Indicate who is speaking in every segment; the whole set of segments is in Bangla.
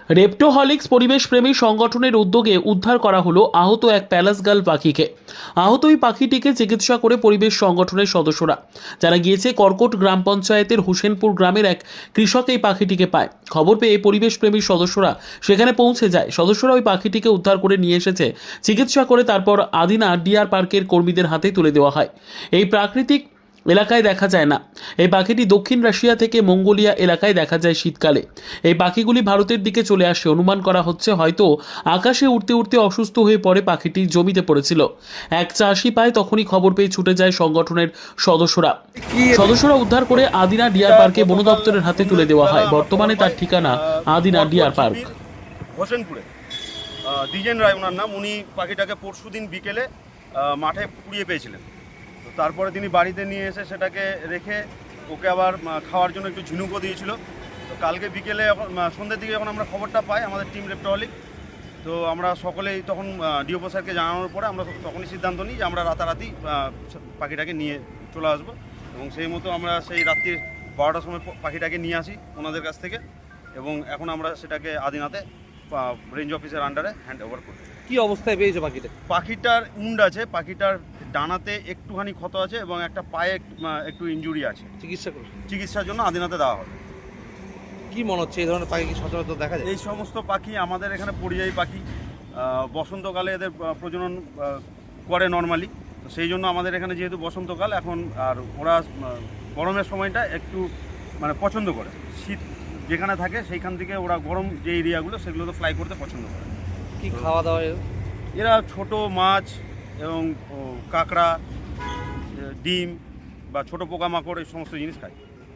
Speaker 1: রেপ্টোহলিক্স পরিবেশপ্রেমী সংগঠনের উদ্যোগে উদ্ধার করা হলো আহত এক প্যালাসগাল পাখিকে। আহত ওই পাখিটিকে চিকিৎসা করে পরিবেশ সংগঠনের সদস্যরা, যারা গিয়েছে কর্কট গ্রাম পঞ্চায়েতের হোসেনপুর গ্রামের এক কৃষক এই পাখিটিকে পায়। খবর পেয়ে পরিবেশপ্রেমী সদস্যরা সেখানে পৌঁছে যায়। সদস্যরা ওই পাখিটিকে উদ্ধার করে নিয়ে এসেছে, চিকিৎসা করে তারপর আদিনা ডিয়ার পার্কের কর্মীদের হাতে তুলে দেওয়া হয়। এই প্রাকৃতিক এলাকায় দেখা যায় না। এই পাখিটি দক্ষিণ রাশিয়া থেকে মঙ্গোলিয়া এলাকায় দেখা যায় শীতকালে। এই পাখিগুলি ভারতের দিকে চলে আসে। অনুমান করা হচ্ছে হয়তো আকাশে উড়তে উড়তে অসুস্থ হয়ে পড়ে পাখিটি জমিতে পড়েছিল। এক চাষি পায়, তখনই খবর পেয়ে ছুটে যায় সংগঠনের সদস্যরা উদ্ধার করে আদিনা ডিয়ার পার্কে বন দপ্তরের হাতে তুলে দেওয়া হয়। বর্তমানে তার ঠিকানা আদিনা ডিয়ার পার্ক,
Speaker 2: হোসেনপুরে। দ্বিজেন রায় ওনার নাম। উনি পাখিটাকে পরশুদিন বিকেলে মাঠে পুড়িয়ে পেয়েছিলেন। তো তারপরে তিনি বাড়িতে নিয়ে এসে সেটাকে রেখে ওকে আবার খাওয়ার জন্য একটু ঝিনুকও দিয়েছিল। তো কালকে বিকেলে সন্ধ্যের দিকে যখন আমরা খবরটা পাই আমাদের টিম রেপ্টোহলিক, তো আমরা সকলেই তখন ডিওপো স্যারকে জানানোর পরে আমরা তখনই সিদ্ধান্ত নিই যে আমরা রাতারাতি পাখিটাকে নিয়ে চলে আসবো। এবং সেই মতো আমরা সেই রাত্রি 12টার সময় পাখিটাকে নিয়ে আসি ওনাদের কাছ থেকে, এবং এখন আমরা সেটাকে আদিনাতে রেঞ্জ অফিসের আন্ডারে হ্যান্ড ওভার করি।
Speaker 3: কি অবস্থায় পেয়েছো পাখিটা?
Speaker 2: পাখিটার উন্ড আছে, পাখিটার ডানাতে একটুখানি ক্ষত আছে এবং একটা পায়ে একটু ইনজুরি আছে। চিকিৎসার জন্য আদিনাতে দেওয়া হবে।
Speaker 3: কি মনে হচ্ছে এই ধরনের পাখি কি সচরাচর দেখা যায়?
Speaker 2: এই সমস্ত পাখি আমাদের এখানে পরিযায়ী পাখি। বসন্তকালে এদের প্রজনন করে নর্মালি। তো সেই জন্য আমাদের এখানে যেহেতু বসন্তকাল এখন, আর ওরা গরমের সময়টা একটু পছন্দ করে। শীত যেখানে থাকে সেইখান থেকে ওরা গরম যে এরিয়াগুলো সেগুলো তো ফ্লাই করতে পছন্দ করে।
Speaker 3: কি খাওয়া দাওয়া?
Speaker 2: এরা ছোট মাছ এবং কাঁকড়া, ডিম বা ছোট পোকামাকড় এই সমস্ত জিনিস খায়।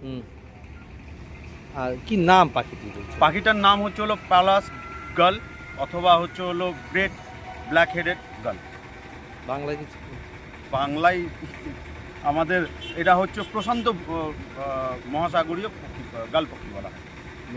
Speaker 3: আর কি নাম পাখিটির?
Speaker 2: পাখিটার নাম হচ্ছে হলো প্যালাস গাল অথবা হচ্ছে হলো গ্রেট ব্ল্যাক হেডেড গাল।
Speaker 3: বাংলায় কিছু?
Speaker 2: বাংলায় আমাদের এটা হচ্ছে প্রশান্ত মহাসাগরীয় পক্ষী, গাল পক্ষী বলা হয়।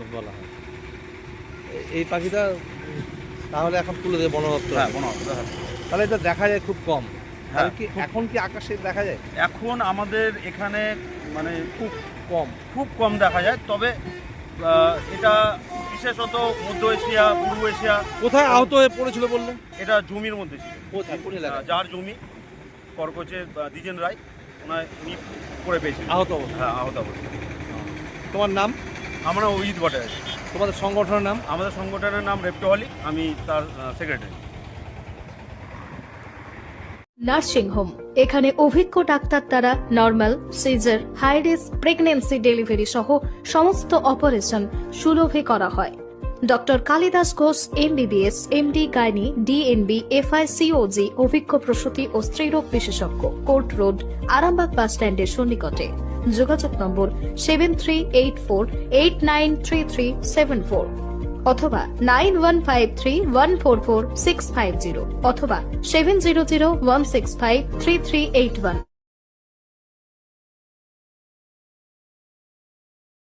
Speaker 3: এই পাখিটা তাহলে এখন তুলে দেবে বন দপ্তর?
Speaker 2: হ্যাঁ, বন দপ্তর।
Speaker 3: তাহলে এটা দেখা যায় খুব কম।
Speaker 2: হ্যাঁ,
Speaker 3: এখন কি আকাশে দেখা যায়?
Speaker 2: এখন আমাদের এখানে
Speaker 3: খুব
Speaker 2: কম দেখা যায়। তবে এটা বিশেষত মধ্য এশিয়া, পূর্ব এশিয়া।
Speaker 3: কোথায় আহত হয়ে পড়েছিল বললেন?
Speaker 2: এটা জমির মধ্যে ছিল। যার জমি কর্কচের দ্বিজেন রায়, উনি পড়ে পেয়েছিলেন
Speaker 3: আহত অবস্থা।
Speaker 2: হ্যাঁ, আহত অবস্থা।
Speaker 3: তোমার নাম?
Speaker 2: আমরা অভিজিৎ ভট্টাচার্য।
Speaker 3: তোমাদের সংগঠনের নাম?
Speaker 2: আমাদের সংগঠনের নাম রেপ্টোহলিক, আমি তার সেক্রেটারি।
Speaker 4: নার্সিং হোম, এখানে অভিজ্ঞ ডাক্তার দ্বারা normal, caesar, high risk pregnancy, delivery সহ সমস্ত অপারেশন সুলভে করা হয়। Doctor Kalidas Ghosh MBBS, MD gynae, DNB, FICOG অভিজ্ঞ প্রসূতি ও স্ত্রীরোগ বিশেষজ্ঞ, কোর্ট রোড, আরামবাগ বাস স্ট্যান্ডের সন্নিকটে। যোগাযোগ নম্বর 7384893374 অথবা 9153144650 অথবা 7001653381।